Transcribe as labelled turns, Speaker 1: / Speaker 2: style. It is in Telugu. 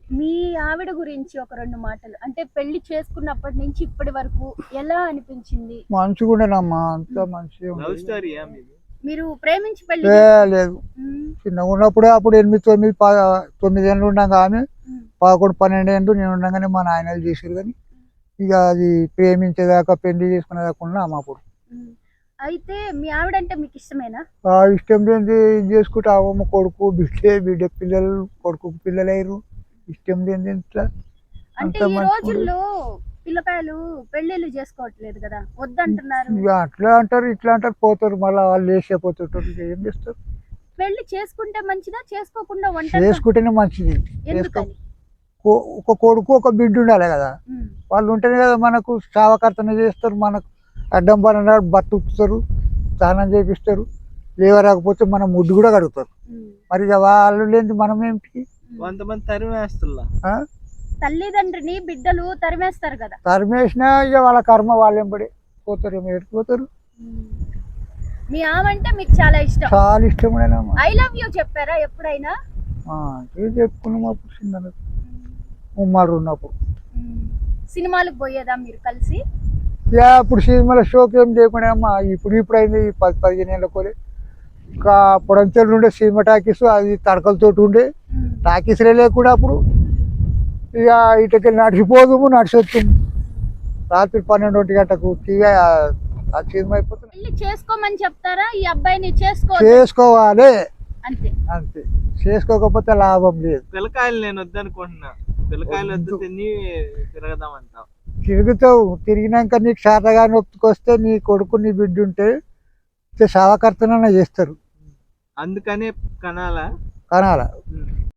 Speaker 1: మీ ఆవిడ గురించి ఒక 2 మాటలు. అంటే పెళ్లి చేసుకున్నప్పటి నుంచి ఇప్పటి వరకు ఎలా అనిపించింది?
Speaker 2: మంచిగుండేనమ్మా, అంతా
Speaker 1: హ్మ్.
Speaker 2: మంచిగా
Speaker 3: లవ్
Speaker 2: ఉండేది.
Speaker 3: స్టోరీయా మీది?
Speaker 1: మీరు ప్రేమించి పెళ్లి
Speaker 2: లేదు,
Speaker 1: హ్మ్.
Speaker 2: చిన్నగా ఉన్నప్పుడే అప్పుడు 8, 9, 9 ఏళ్ళు ఉండగా ఆమె
Speaker 1: హ్మ్.
Speaker 2: 11, 12 ఏళ్ళు నేను ఉండగానే మా నాయనలు చేసారు. కానీ ఇక అది ప్రేమించేదాకా పెళ్లి చేసుకునేదాకా ఉన్నాము అప్పుడు.
Speaker 1: హ్మ్. అయితే మీ ఆవిడంటే మీకు ఇష్టమేనా?
Speaker 2: ఆ ఇష్టం లేనిది ఇది చేసుకుంటే అవ్వమ్మ కొడుకు బిడ్డ పిల్లలు, కొడుకుకు పిల్లలయ్యారు. ఇష్టం లేనిది ఇట్లా
Speaker 1: అంటే
Speaker 2: అంత
Speaker 1: ఈ
Speaker 2: మంచిగా ఉండదు.
Speaker 1: రోజుల్లో పిల్లకాయలు పెళ్ళిళ్ళు చేసుకోవట్లేదు కదా! వద్దంటున్నారు.
Speaker 2: ఇక అట్లా అంటారు, ఇట్లా అంటారు, పోతారు, మళ్ళీ వాళ్ళు లేచిపోతుంటారు. ఇక ఏం చేస్తారు?
Speaker 1: పెళ్లి చేసుకుంటే మంచిదా? చేసుకోకుండా ఒంటరిగా
Speaker 2: చేసుకుంటేనే మంచిది.
Speaker 1: ఎందుకని?
Speaker 2: ఒక కొడుకు ఒక బిడ్డ ఉండాలి కదా.
Speaker 1: హ్మ్.
Speaker 2: వాళ్ళు ఉంటేనే కదా మనకు సావకర్తన చేస్తారు, మనకు అడ్డం పడిన బతుకుతారు, స్నానం చేపిస్తారు, లేవరాకపోతే మనం ముడ్డు కూడా కడుగుతారు.
Speaker 1: హ్మ్.
Speaker 2: మరి ఇక వాళ్ళు లేని మనం ఏమిటి?
Speaker 1: హ్మ్.
Speaker 3: కొంతమంది తరిమేస్తుల్లా.
Speaker 2: ఆ?
Speaker 1: తల్లిదండ్రిని బిడ్డలు తరిమేస్తారు కదా!
Speaker 2: తరిమేసినా ఇక వాళ్ళ కర్మ వాళ్ళు ఎంబడి పోతారు, ఏమో ఎడిపోతారు.
Speaker 1: హ్మ్. మీ ఆవంటే మీకు చాలా ఇష్టం.
Speaker 2: చాలా ఇష్టమైనమ్మా.
Speaker 1: ఐ లవ్ యూ చెప్పారా ఎప్పుడైనా?
Speaker 2: ఏం చెప్పుకున్నాం అప్పుడు చిన్న ఉమ్మడి ఉన్నప్పుడు.
Speaker 1: హ్మ్. సినిమాలకు పోయేదా మీరు కలిసి?
Speaker 2: ఇక అప్పుడు సినిమాల షోకి ఏం లేకుండా అమ్మా, ఇప్పుడు అయింది 10, 15 ఏళ్ళ కోలే. ఇంకా పొడంచెలు ఉండే సినిమా టాకీస్, అది తడకలతోటి ఉండే
Speaker 1: హ్మ్.
Speaker 2: టాకీస్లే లేకుండా అప్పుడు. ఇక ఇటుకి నడిచిపోదుము, నడిచొచ్చాము. రాత్రి 12, 1 గంటకు ఆ సినిమా అయిపోతుంది.
Speaker 1: పెళ్లి చేసుకోమని చెప్తారా? ఈ అబ్బాయిని చేసుకో
Speaker 2: చేసుకోవాలి
Speaker 1: అంతే.
Speaker 2: అంతే, చేసుకోకపోతే లాభం లేదు.
Speaker 3: పిల్లకాయలు నేను వద్దనుకుంటున్నా. పిల్లకాయలు వద్దు,
Speaker 2: వద్దు.
Speaker 3: తిని తిరగదామంటావు.
Speaker 2: తిరుగుతావు, తిరిగినాక నీకు శాతగా నొప్పుకొస్తే నీ కొడుకు నీ బిడ్డ ఉంటే సావకర్తనన్నా చేస్తారు.
Speaker 3: అందుకనే కనాలా.
Speaker 2: కనాల.